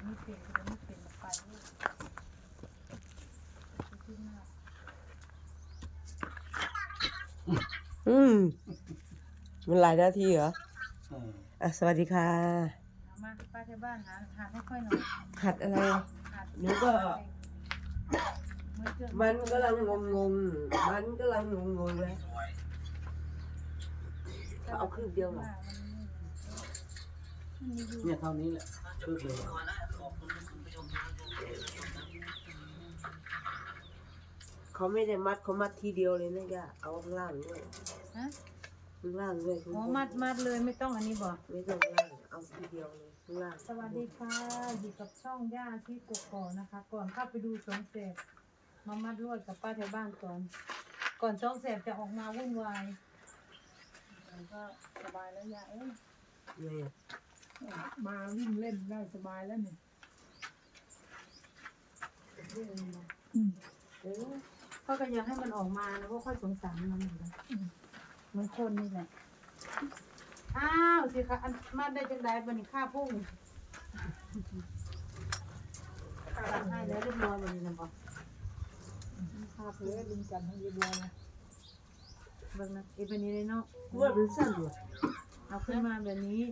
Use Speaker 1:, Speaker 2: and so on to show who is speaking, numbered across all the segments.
Speaker 1: ไม่เป็นก็ไม่เป็นไปเลยขึ้นหน้า
Speaker 2: มันหลายนาทีเหรอสวัสดีค่ะ
Speaker 1: เอามาป้าที่บ้านหาให้ค่อยหน่อย
Speaker 2: หัดอะไร
Speaker 1: หัด
Speaker 2: หนูก็
Speaker 1: มือเจือ
Speaker 2: มันกำลังงงมันกำลังงงเลยเอาคืบเดียวเหรอ
Speaker 3: เนี่ยเท่านี้แหละคืบเลย
Speaker 2: เขาไม่ได้มัดเขามัดทีเดียวเลยนะย่าเอาข้างล่างด้วย
Speaker 1: ฮะ
Speaker 2: ข้างล่างด้วย
Speaker 1: อ๋อมัดเลยไม่ต้องอันนี้บอก
Speaker 2: ไม่ต้องข้างล่างเอาทีเดียวเลยข้างล่าง
Speaker 1: สวัสดีค่ะอยู่กับช่องย่าที่กกอกนะคะ ก่อนเข้าไปดูสองแสบมามัดลวดกับป้าแถวบ้านก่อนสองแสบจะออกมาวุ่นวายมันก็สบายแล้วย่าเอ้ย
Speaker 2: เนี่ย
Speaker 1: มาวิ่งเล่นได้สบายแล้วเนี่ยเขาก็อยากให้มันออกมานะเพราะค่อยสงสารมันเหมือนกันมันคนนี่แหละอ้าวสิคะอันมาได้จังไดบันนี้ข้าพุ่งตัดให้แล้วเรียบร้อยบันนี้นะบอกข้าเพื่อดึงกันให้เรียบร้อยนะเบิ่งนะอีเป็นนี้เลยเนาะ
Speaker 2: ว่ามันสั้นเหรอ
Speaker 1: เอาขึ้นมาแบบนี้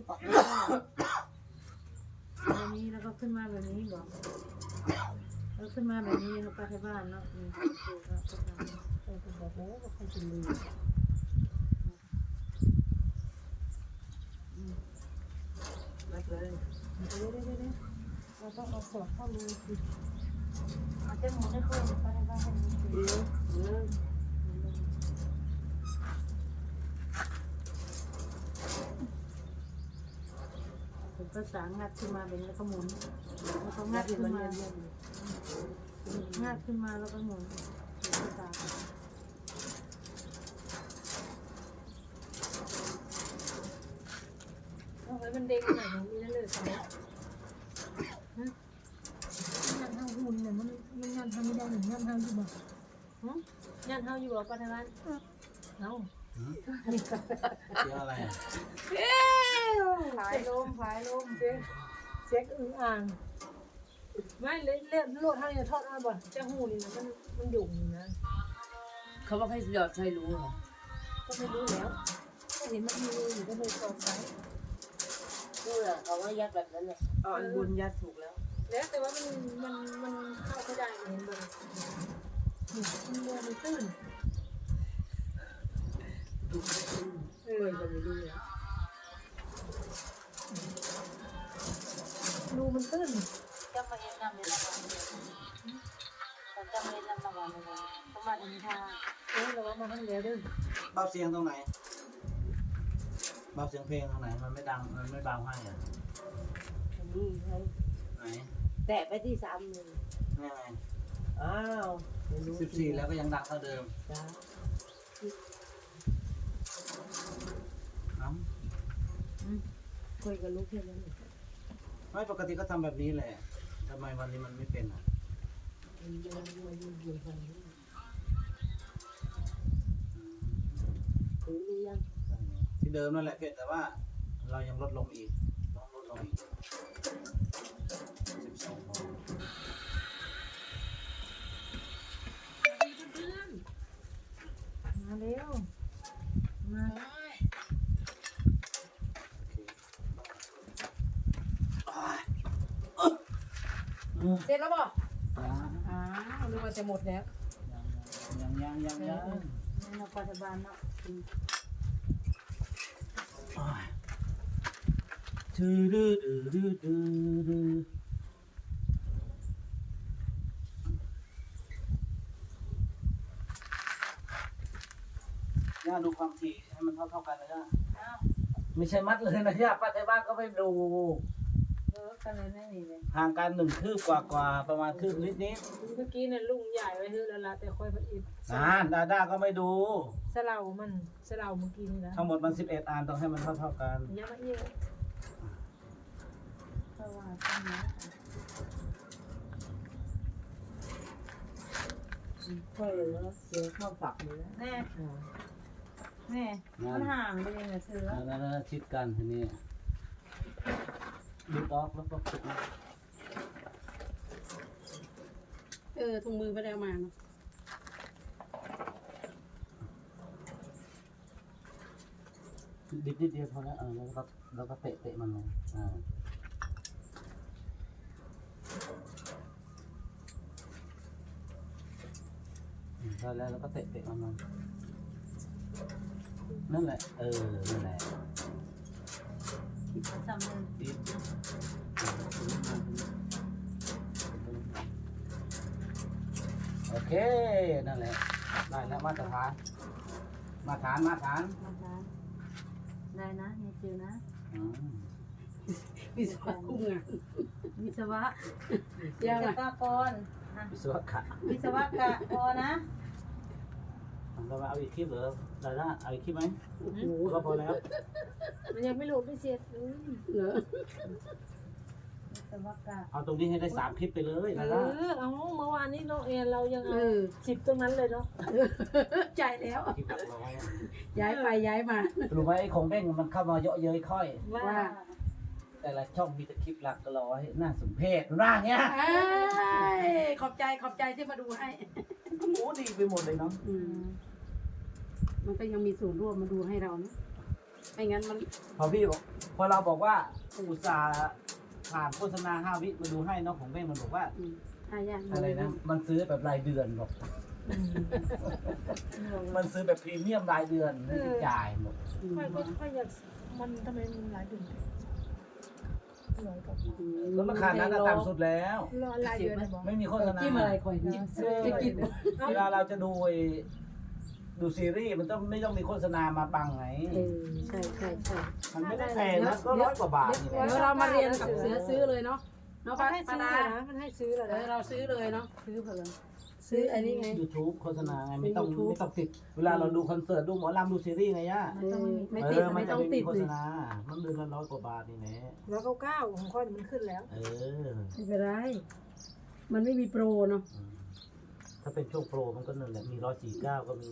Speaker 1: แบบนี้แล้วก็ขึ้นมาแบบนี้บอกแล้วขึ้นมาแบบนี้แล้วไปที่บ้านเนาะนี่คือก็ทำไปบอกแล้วว่าเขาจะลืม
Speaker 2: มัดเลย
Speaker 1: เดี๋ยวเราต้องเอาสอดเข้ารูสิเอาเจ้าหมูได้เคยไปที่บ้านให้ดูสิ ผมก็สางงัดขึ้นมาเป็นแล้วก็หมุนแล้วก็งัดขึ้นมางัดขึ้นมาแล้วก็หมุนสางเอาไว้มันเด้งหน่อยมีนั่นเลยสองงานเท้าหุ่นเนี่ยมันงานทำไม่ได้หนึ่งงานเท้าอยู่บ่งานเท้าอยู่บ่ปัจจุบันเอา
Speaker 3: เสียงอะไรอ่ะ
Speaker 1: ผายลมเซ็กอึ่งอ่างไม่เล่นโลดเท่านี้ทอดเอาบ่จะหูนี่นะมันหยุ่งนะ
Speaker 2: เขาบอกให้หยอดใส่รู้เหรอ
Speaker 1: ก็ไม่รู้แล้วก็เห็นมันมีอยู่ก็เลยสอบไป
Speaker 2: รู้เหรอเขาว่ายัดแบบนั้นเลยเอาอันบนยัดถูกแล้ว
Speaker 1: แล้วแต่ว่ามันเข้าไม่ได้เห็นบ่มันเรือมันตื้น
Speaker 2: จะไม่รู้แล้ว
Speaker 1: รูมันตื้น
Speaker 4: จะมาเห็นนำในละวันแต่จะมาเห็นนำละวันเลยสมัครอินทา
Speaker 1: เราว่ามาทั้งเรือดื้อ
Speaker 3: เบาเสียงตรงไหนเบาเสียงเพลงตรงไหนมันไม่ดังมันไม่เบาให้อ่ะ
Speaker 2: อันนี้ไง
Speaker 3: ไหน
Speaker 2: แตะไปที่3เลย
Speaker 3: นี่ไง
Speaker 2: อ้าวไม่รู้
Speaker 3: 14แล้วก็ยังดังเท่าเดิม
Speaker 2: จ้า
Speaker 3: เอ้า
Speaker 2: คุยกับลูกแค่นั้น
Speaker 3: ไม่ปกติก็ทำแบบนี้แหละทำไมวันนี้มันไม่เป็นอ่ะ
Speaker 2: มันยังอยู่ทางนี้ถือหรือยัง
Speaker 3: ที่เดิมนั่นแหละเพียงแต่ว่าเรายังลดลงอีกต้องลดลงอีก12โมง
Speaker 1: มาเร็วมา เสร็จแล้วบ่อ้าวนึกว่าจะหมดแล้ว
Speaker 3: ยัง
Speaker 1: นี่เราปัจจุบันเนาะ
Speaker 3: ย่าดูความถี่ให้มันเท่ากันนะย่าไม่ใช่มัดเลยนะย่าป้าไทยบ้านก็ไม่ดู
Speaker 1: กันเลยนั่นนี่เลย
Speaker 3: ห่างกัน1 คืบกว่าประมาณคืบนิด
Speaker 1: เมื่อกี้เนี่ยลุงใหญ่ไว้เฮือแล้วละแต่ค่อยพออีก
Speaker 3: ดาก็ไม่ดู
Speaker 1: สลาเมื่อกี้นี่นะ
Speaker 3: ทั้งหมดมัน11อันต้องให้มันเท่ากัน
Speaker 1: ยังมาอีกเพราะว่าตอนนี้
Speaker 2: ค่อยแล้วเสือเข้าฝักเลยนะ
Speaker 1: แน่มันห่างไปเลยเนี่ยเสือ
Speaker 3: แล้วชิดกันทีนี้ดูดออกแล้วก็
Speaker 5: ถุงมือไปแล้วมาเนาะ
Speaker 3: ดิบนิดเดียวพอแล้วแล้วก็เตะมันเลยพอแล้วก็เตะมันนั่นแหละนั่นแหละ
Speaker 4: จำเลย
Speaker 3: ดิบโอเคนั่นแหละได้แล้วมาตรฐาน
Speaker 4: ได้นะเฮียจิวนะ
Speaker 5: วิศวะคุ้มงาน
Speaker 4: วิศวะ
Speaker 5: ยาว
Speaker 1: วิ
Speaker 5: ไหม
Speaker 1: ศวกร
Speaker 3: วิศวกะ
Speaker 1: วิศวกะพอนะ
Speaker 3: เราเอาอีกคลิปเหรอได้ละเอาอีกคลิปไหม
Speaker 5: โอ้โห
Speaker 3: ก็พอแล้ว
Speaker 4: มันยังไม่รู้ไม่เสร็จ
Speaker 5: เหรอ
Speaker 1: วิศวกะ
Speaker 3: เอาตรงนี้ให้ได้3คลิปไปเลยนะละ
Speaker 4: เอาเมื่อวานนี้น้องเอ็นเรายัง
Speaker 5: เอ
Speaker 4: เอา
Speaker 5: อ
Speaker 4: 10ตรงนั้นเลยเนาะ
Speaker 5: ใจแล้ว
Speaker 3: คลิปหลักร้อย
Speaker 5: ย้ายไปย้ายมา
Speaker 3: รู้ไหมไอ้ของเบ้งมันเข้ามาเยอะเย้ยค่อย
Speaker 4: ว่า
Speaker 5: ว่า
Speaker 3: แต่ละช่องมีแต่คลิปหลักร้อยน่าสมเพชร่างเนี้ย
Speaker 5: ขอบใจที่มาดูให้
Speaker 3: โอ้ดีไปหมดเลยเนาะ
Speaker 5: มันก็ยังมีส่วนร่วมมาดูให้เรานะไม่งั้นมัน
Speaker 3: พอเราบอกว่าอุตส่าห์ผ่านโฆษณา5 วิมาดูให้เนาะของเบ้งมันบอกว่า
Speaker 5: หายาก
Speaker 3: อะไรนะมันซื้อแบบรายเดือนบอกมันซื้อแบบพรีเมียมรายเดือนไม่ได้จ่ายหมด
Speaker 4: ค่อยอยากมันทำไมมันหลายเดือนร้อยกว่า
Speaker 3: แล้วราคานั้นน่ะต่ำสุดแล้ว
Speaker 4: รอหลายเดือนเลยบอก
Speaker 3: ไม่มีโฆษณา
Speaker 5: จิ้มอะไรคอยนะจะกิน
Speaker 3: เวลาเราจะดูซีรีส์มันต้องไม่ต้องมีโฆษณามาบังไง
Speaker 5: ใช่
Speaker 3: มันไม่ได้แพงนะก็100 กว่าบาทนี่แหละ
Speaker 5: เดี๋ยวเรามาเรียนกับเสือซื้อเลยเนาะเนาะ
Speaker 4: มั
Speaker 5: ป้าน
Speaker 4: ให้ซื้อ
Speaker 5: ดา
Speaker 4: นะมันให้ซื้อเหรอ
Speaker 5: เดี๋ยว
Speaker 4: นะ
Speaker 5: เราซื้อเลยเนาะ
Speaker 4: ซื้อเผื่อ
Speaker 5: ซื้ออันนี้ไง
Speaker 3: YouTube โฆษณาไงไม่ต้อง
Speaker 5: YouTube
Speaker 3: ไม่ต้องติด เวลาเราดูคอนเสิร์ตดูหมอลำดูซีรีส์ไงย่า
Speaker 5: ไม่ติด
Speaker 3: มั
Speaker 5: ไม่
Speaker 3: นจะ
Speaker 5: ต้อง
Speaker 3: ไม่
Speaker 5: ติ
Speaker 3: มี
Speaker 5: ด
Speaker 3: โฆ
Speaker 5: เล
Speaker 3: ษ
Speaker 5: ย
Speaker 3: ณา มันเดือนละ100 กว่าบาทนี่แหละ
Speaker 4: แล้ว99ของข้อยมันขึ้นแล้ว
Speaker 3: เออ
Speaker 5: ไม่เป็นไรมันไม่มีโปรเนาะ
Speaker 3: ถ้าเป็นช่วงโปรมันก็นั่นแหละมี149ก็มี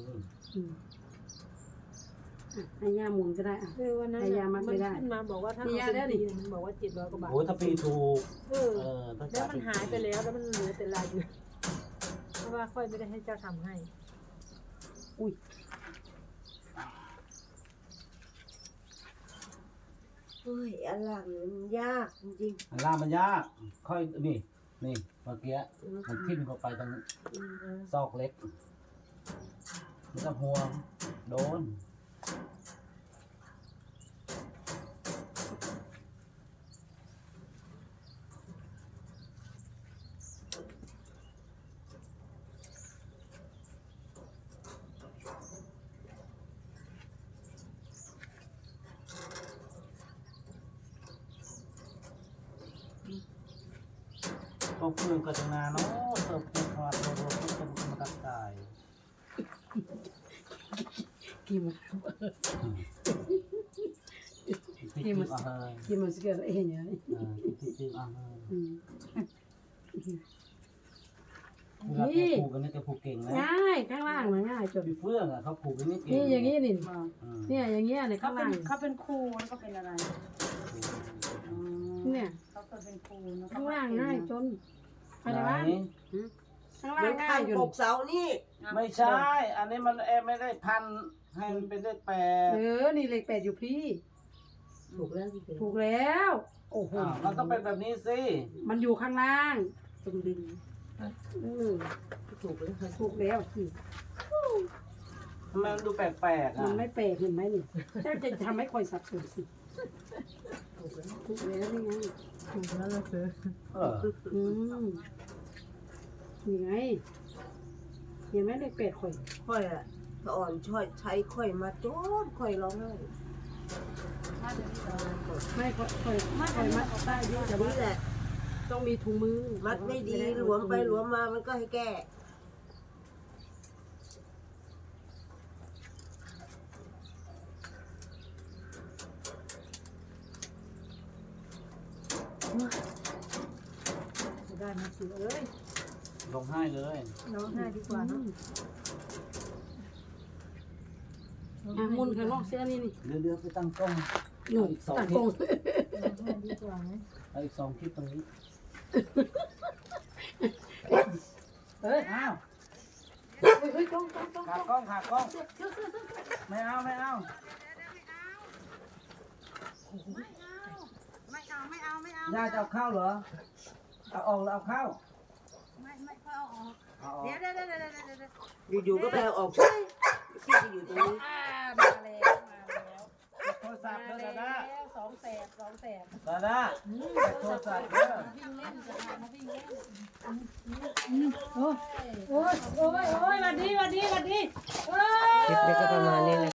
Speaker 5: ให้ย่าหมุนก็ได้อ่ะ
Speaker 4: วันนั้น
Speaker 5: พยายามมัดไม่ได้
Speaker 4: ขึ้นมาบอกว่าถ้า
Speaker 5: มี
Speaker 4: เอา
Speaker 5: ยาได้
Speaker 4: เป็น
Speaker 5: ดิ
Speaker 4: ปีมันบอกว่า700 กว่าบาท
Speaker 3: โอ้ถ้าปีถูก
Speaker 4: เออ
Speaker 3: ถ้า
Speaker 4: แล้วมัน
Speaker 3: ปี
Speaker 4: หายไปแล้วแล้วมันเหลือแต่รายเดือนเพราะว่าค่อยไม่ได้ให้เจ้าทำให้
Speaker 2: เฮ้ยอันหลังเนี่ยมันยากจริง
Speaker 3: อันล่างมันยาก ค่อยนี่เมื่อกี้มันทิ่มเข้าไปตรงซอกเล็กไม่ต้องห่วงโดน ก็เพื่อนก็จะงานเนาะเติมเต็มพอร์ตโรก็จะมาตัดใจ
Speaker 5: กินมัน
Speaker 3: ที่มันอาหาร
Speaker 5: กินมันสเกลเองเนี่ย
Speaker 3: ที่อาหาร
Speaker 5: อืม
Speaker 3: เวลาแกผูกกันนี่แกผูกเก่งนะ
Speaker 5: ง่ายข้างล่างมันง่ายจน
Speaker 3: พี่เฟื่องอ่ะเขาผูกกันนี่เก่ง
Speaker 5: นี่อย่างนี้นี่
Speaker 3: อืม
Speaker 5: เนี่ยอย่างเงี้ยเนี่ย
Speaker 4: เขา
Speaker 5: ข้าง
Speaker 4: เป็
Speaker 5: ล่าน ง
Speaker 4: เขาเป็นครูแล้วก็เป็นอะไร
Speaker 5: เนี่ย
Speaker 4: เขาก็เป็นครูแล้วก็
Speaker 5: ข้างล่างง่ายจนอะไร
Speaker 3: ไหน
Speaker 5: วะข้าง
Speaker 2: ๆ
Speaker 5: ล่า
Speaker 2: เหมื
Speaker 5: ง
Speaker 2: อน
Speaker 5: ง่า
Speaker 2: คั
Speaker 5: ย
Speaker 2: น
Speaker 5: อยู่
Speaker 2: ปกเสานี่
Speaker 3: ไม่ใช่ อันนี้มันไม่ได้พันให้มันเป็นเลขแปด
Speaker 5: นี่เลข8อยู่พี่
Speaker 2: ถูกแล้วพี่เป็น
Speaker 5: ถูกแล้วโอ้โห
Speaker 3: มันต้องเป็นแบบนี้สิ
Speaker 5: มันอยู่ข้างล่าง
Speaker 2: ตรงดิน ถูกแล้วค่ะ
Speaker 5: ถูกแล้วสิ
Speaker 3: ทำไมมันดูแปลกๆ
Speaker 5: มั
Speaker 3: อ่ะ
Speaker 5: นไม่แปลกเห็นไหมนี่เจ้าจะทำให้คอยสับสนสิ
Speaker 2: ถูกแล้ว
Speaker 5: ถูกแล้วนี่ไง
Speaker 1: ถูกแล้วเราซื้อ
Speaker 3: เออ
Speaker 5: อืมนี่ไงเห็นไหมเลข8ข่อย
Speaker 2: ค่อยอะถ้าอ่อนช่วยใช้ค่อยมาโจนค่อยร้องไห้
Speaker 5: ไม่ข่อยมัดได้เยอะแต่ว่า
Speaker 2: นี่แหละ
Speaker 5: ต้องมีถุงมือ
Speaker 2: มัดไม่ดีหลวมไปหลวมมามันก็ให้แก้
Speaker 4: จะได้มาซื้อเอ้ย
Speaker 3: ลงให้เลย
Speaker 4: ร้องไห้ดีกว่าเนาะ
Speaker 5: มุนข้างนอกเสื้อนี่นี่
Speaker 3: เดี๋ยวไปตั้งกล้อง
Speaker 5: หนุ่ม
Speaker 3: อีก2
Speaker 5: ตัด
Speaker 3: คลิ
Speaker 5: กง
Speaker 3: ป
Speaker 4: ร้องไห้ดีกว่าไหม
Speaker 3: เอาอีก2 คลิปตรงนี้เอ้ยอ้าว
Speaker 5: เฮ้ยกล้อง
Speaker 3: ขากล้องไม่เอา
Speaker 1: ไม่เอา
Speaker 3: ย่าจะเอาข้าวเหรอเอาออกแล้วเอาข้าว
Speaker 1: ไม่ค่อยเอาออก
Speaker 3: เอาออก
Speaker 1: เดี๋ยว
Speaker 2: อยู่ๆก็ไปเอาออกพี่จะอยู่ตรงนี้
Speaker 1: มาแล้ว
Speaker 3: โทรศัพท์เด้อดาดา
Speaker 1: สองแสบ
Speaker 3: ดาดาโทรศัพท์เด้อ
Speaker 1: วิ่งเล่นจะมาวิ่งเล่น
Speaker 5: โอ้ยวันดี
Speaker 2: คลิปนี้ก็ประมาณนี้นะ